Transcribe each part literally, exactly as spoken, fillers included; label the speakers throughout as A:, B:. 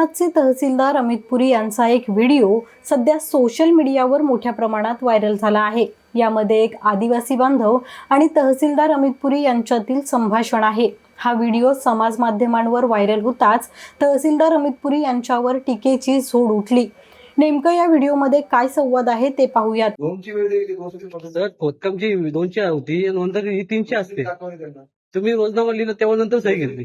A: अंबरनाथचे तहसीलदार अमित पुरी यांचा एक व्हिडिओ सध्या सोशल मीडियावर मोठ्या प्रमाणात व्हायरल झाला आहे। यामध्ये एक आदिवासी बांधव आणि तहसीलदार अमित पुरी यांच्यातील संभाषण आहे। हा व्हिडिओ समाज माध्यमांवर व्हायरल होताच तहसीलदार अमित पुरी यांच्यावर टीकेची झोड उठली। नेमकं या व्हिडिओमध्ये काय संवाद आहे ते पाहूयात।
B: दोनची वेळ दिली, दोनशे पन्नास.
C: सर खोदकामची दोनशे होती, नंतर ही तीनशे असते। तुम्ही रोजनामा लिहिलं तेव्हा नंतर सही घेतली।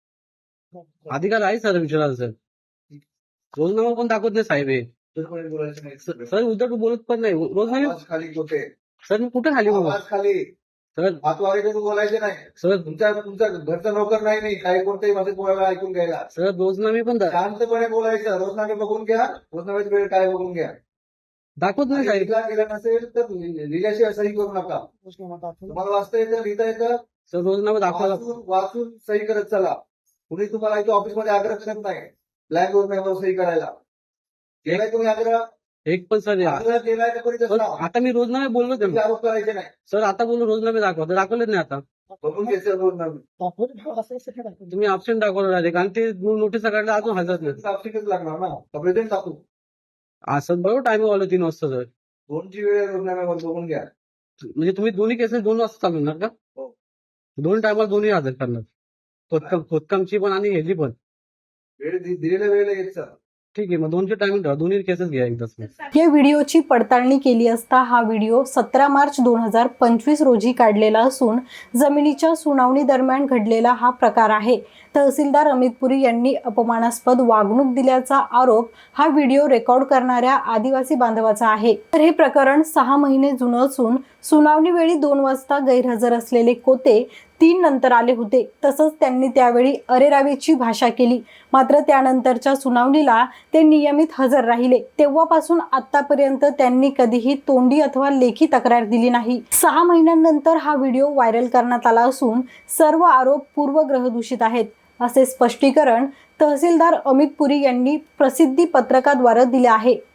C: अधिकार आहे सर विचारायला सर। रोजनामा पण दाखवत नाही साहेब हे।
B: बोलायचं नाही
C: सर उद्धट बोलत पण नाही रोजनामा।
B: आवाज खाली होते
C: सर मी कुठे खाली बाबा?
B: आवाज खाली
C: सर
B: हातवारे बोलायचे नाही
C: सर।
B: तुमच्या तुमचा घरचा नोकर नाही नाही काही कोणत्याही माझं कोणाला ऐकून घ्यायला।
C: सर रोजनामे पण दा-
B: शांतपणे बोलायचं। रोजनामे बघून घ्या, रोजनाम्याची वेळ काय बघून घ्या।
C: दाखवत नाही साहेब।
B: लिहिला गेला नसेल तर लिहिल्याशिवाय सही करू नका। तुम्हाला वाचता येतं, लिहिता येतं,
C: सर रोजनामा दाखवा।
B: वाचून वाचून सही करत चला। कुणी तुम्हाला इथे ऑफिसमध्ये आग्रह करत नाही ब्लॅक रोजनाम्यावर सही करायला। केलाय तुम्ही आग्रह?
C: एक पण सर या-
B: आग्रह केलाय तर करीत
C: सर,
B: असता।
C: आता मी रोजनामे बोललो
B: तुम्ही
C: त्यांना।
B: आरोप करायचे नाही।
C: सर आता बोललो रोजनामे दाखवा, तर दाखवलेच नाही आता।
B: बघून घ्यायचं रोजनामे।
C: तुम्ही ऑप्शन दाखवलं डायरेक्ट आणि ते नोटीस काढलं अजून हजर नाही।
B: साक्षीच लागणार ना, प्रेझेंट टाकू।
C: असं बरोबर टायमिंग आलं तीन वाजता सर।
B: दोनची वेळ रोजनाम्यावर बघून घ्या।
C: म्हणजे तुम्ही दोन्ही केसेस दोन वाजता चालवणार का?
B: हो.
C: दोन टायमाला दोन्ही हजर करणार, खोदकाम खोदकामची पण आणि ह्याची पण।
B: वेळ दि- दिलेल्या वेळेला येत चला।
C: ठीक आहे, मग दोनचे टायमिंग ठेवा, दोन्ही केसेस घ्या एकदाच।
A: या व्हिडिओची पडताळणी केली असता हा व्हिडिओ सतरा मार्च दोन हजार पंचवीस रोजी काढलेला असून जमिनीच्या सुनावणी दरम्यान घडलेला हा प्रकार आहे। तहसीलदार अमित पुरी यांनी अपमानास्पद वागणूक दिल्याचा आरोप हा व्हिडिओ रेकॉर्ड करणाऱ्या आदिवासी बांधवाचा आहे। तर हे प्रकरण सहा महिने जुनं असून सुनावणी वेळी दोन वाजता गैरहजर असलेले कोते तीन नंतर आले होते। तसंच त्यांनी त्यावेळी अरेरावीची भाषा केली, मात्र त्यानंतरच्या सुनावणीला ते नियमित हजर राहिले। तेव्हापासून आतापर्यंत त्यांनी कधीही तोंडी अथवा लेखी तक्रार दिली नाही। सहा महिन्यांनंतर हा व्हिडिओ व्हायरल करण्यात आला असून सर्व आरोप पूर्वग्रहदूषित आहेत, असे स्पष्टीकरण तहसीलदार अमित पुरी यांनी प्रसिद्धी पत्रकाद्वारे दिले आहे।